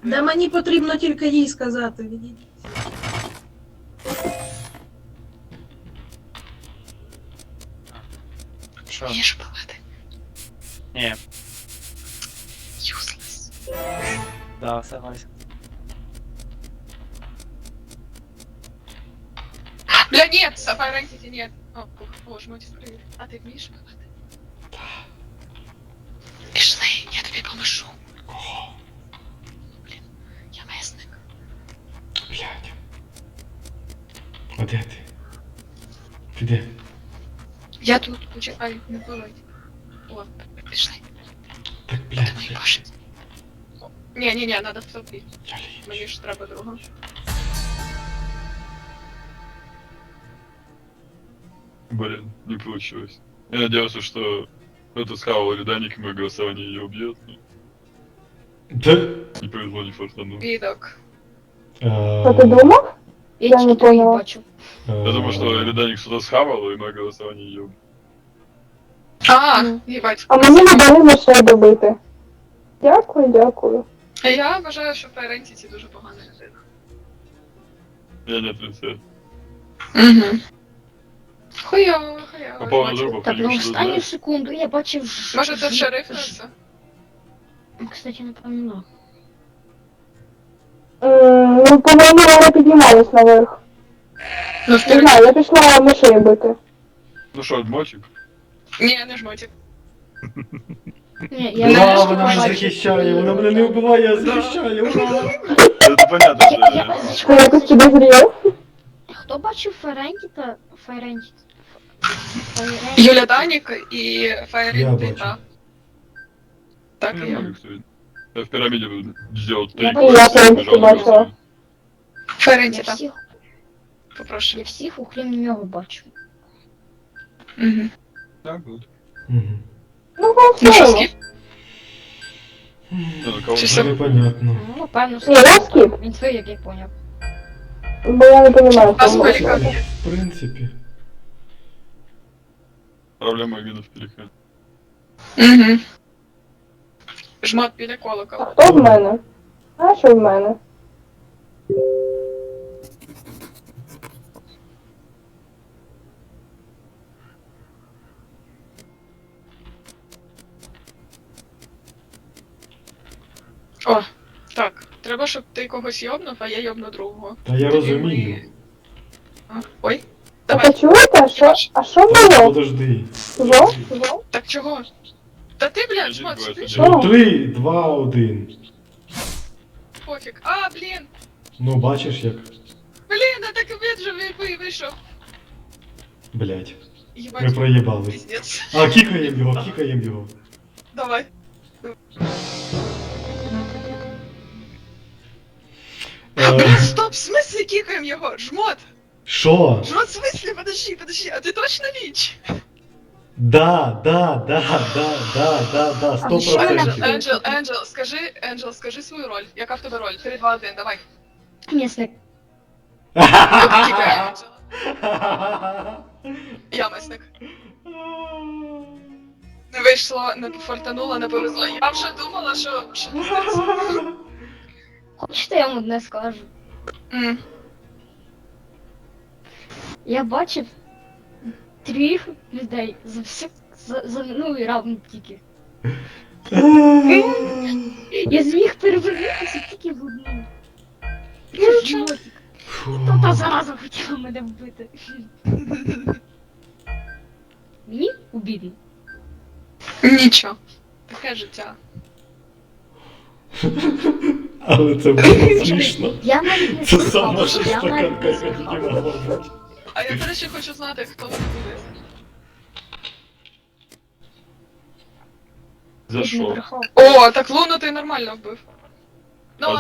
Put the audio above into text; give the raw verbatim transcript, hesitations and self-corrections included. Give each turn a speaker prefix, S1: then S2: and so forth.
S1: Да мені потрібно тільки їй сказати, відійдіть.
S2: Що?
S3: Вмієш палити?
S2: Ні,
S3: Useless.
S2: да, согласен.
S3: Бля, нет, Sapphire Entity нет. О, ух, боже мой, привет. А ти вмієш палити? Пішли, я тобі поможу.
S4: Кого?
S3: Блін, я месник.
S4: Блядь. А де ти? Ти де?
S3: Я тут, почекай, не палить. О, пішли.
S4: Так,
S3: Ти
S4: блядь,
S3: мої
S4: я,
S3: баші. Ні, ні, ні, надо в тобі.
S4: я лінч.
S3: Мені ж треба друга.
S5: Блин, не получилось. Я надеялся, что это схавал Риданик, и мое голосование ее убьет. но
S4: Да?
S5: Не повезло, не фартануло.
S3: Відок.
S6: Що ти думав?
S3: Я
S6: Я не
S3: тільки твої
S6: поняла.
S3: бачу.
S5: Я думаю, что Риданик что-то схавал, и мое голосование ее убьет.
S3: А,
S6: Мгм.
S3: їбать.
S6: А мені не дали лише добити. Дякую, дякую.
S3: А я вважаю, що Fire Entity дуже погана людина.
S5: Я не отрицаю.
S3: Угу. Хуйово, хуйово.
S5: По поводу
S3: Бачу.
S5: друга,
S7: Так, ну
S5: потому что
S7: останню
S5: знаешь,
S7: секунду, я бачив... ж-
S3: Може це
S7: ж-
S3: шериф
S7: ж-
S3: це?
S7: Кстати, напевно.
S6: М, Ну, по-моєму, вона піднімалась наверх.
S3: Ну,
S6: Не
S3: вперед.
S6: знаю, я пішла мишей бити.
S5: ну что, мотик?
S3: Ні, не жмотик.
S7: Ні, я
S4: Ура,
S7: нарешті
S4: вона мене
S7: побачив.
S4: захищає, вона мене не вбиває, а захищає, ура!
S5: Это понятно,
S7: Я-
S5: что
S7: я-
S5: я...
S6: Що якось підозріло?
S7: Хто бачив Ференті та Ференті?
S3: Юля Данік і Fire
S4: Я
S3: Entity,
S4: бачу.
S3: так. Так і
S5: Я
S3: я.
S5: могу, кстати. Я в пирамиде сделал три
S7: Я
S6: бачу, я
S5: квеста,
S6: прям
S5: побежал
S6: бачила.
S5: голосовать.
S3: Fire
S7: Я
S3: Entity, так.
S7: всіх,
S3: Попрошу.
S7: я всіх, окрім нього, бачу.
S3: Угу.
S5: Так вот.
S4: Мгм.
S6: Ну,
S3: Ну що,
S6: голосуємо.
S3: скіп?
S5: Ну, кого
S3: Чи
S4: Це
S3: все?
S4: непонятно.
S7: Ну, певно,
S6: Ні, я скіп.
S7: Він твій, як я поняв.
S6: Бо я не розумію,
S3: А
S6: чому.
S3: скільки?
S4: В принципі.
S5: Проблема именно в переходе.
S3: Угу. Жмот біля
S6: А
S3: колокола.
S6: хто в мене? А що в мене?
S3: О, так. Треба, щоб ти когось йобнув, а я йобну другого.
S4: Та я
S3: Тоді
S4: розумію.
S3: ми- А, Ой.
S6: А
S3: Давай.
S6: ви чуєте? Що? А що
S4: Та
S6: було?
S4: подожди.
S6: Чого? Чого?
S3: Так чого? Та ти, блядь, жмот,
S5: Один,
S3: спиш?
S6: два.
S4: Ну, три, два, один.
S3: Пофіг. А, блін.
S4: Ну, бачиш як.
S3: Блін, а так він же ви- ви- вийшов.
S4: Блять. Ми
S3: Єбать,
S4: проїбали.
S3: пиздец.
S4: А, кікаємо його, кікаємо його.
S3: Давай. А,
S4: Е,
S3: блін, стоп, в смысле кікаємо його? Жмот!
S4: Що?
S3: Жмот, в смысле? Подожди, подожди, а ти точно ліч?
S4: Да, да, да, да, да, да, да, сто
S7: А що вона
S4: процентів.
S7: нахуй?
S3: Енджел, Енджел, скажи, Енджел, скажи свою роль. Яка в тебе роль? три, два, один, давай.
S7: Місник.
S3: Кікає Енджела. Я месник. Не вийшло, не пофортануло, не повезло. Я вже думала, що... що...
S7: Хочете, я вам одне скажу?
S3: М.
S7: Я бачив трьох людей за все, за, за минулий раунд тільки. Я зміг перевернутися тільки в одну. Це жмотик.
S4: Фу.
S7: Та та зараза хотіла мене вбити. Мені обідно.
S3: Нічого. Таке життя.
S4: Але це було смішно.
S7: Я навіть не
S4: Це сама
S7: слухав, я навіть
S4: шестаканка,
S7: не
S4: яка тільки
S7: слухав.
S4: могла бути.
S3: А я, до речі, хочу знати, хто це буде.
S5: За
S7: Я ж не
S5: что?
S7: брехав.
S3: О, так Луну ти нормально вбив.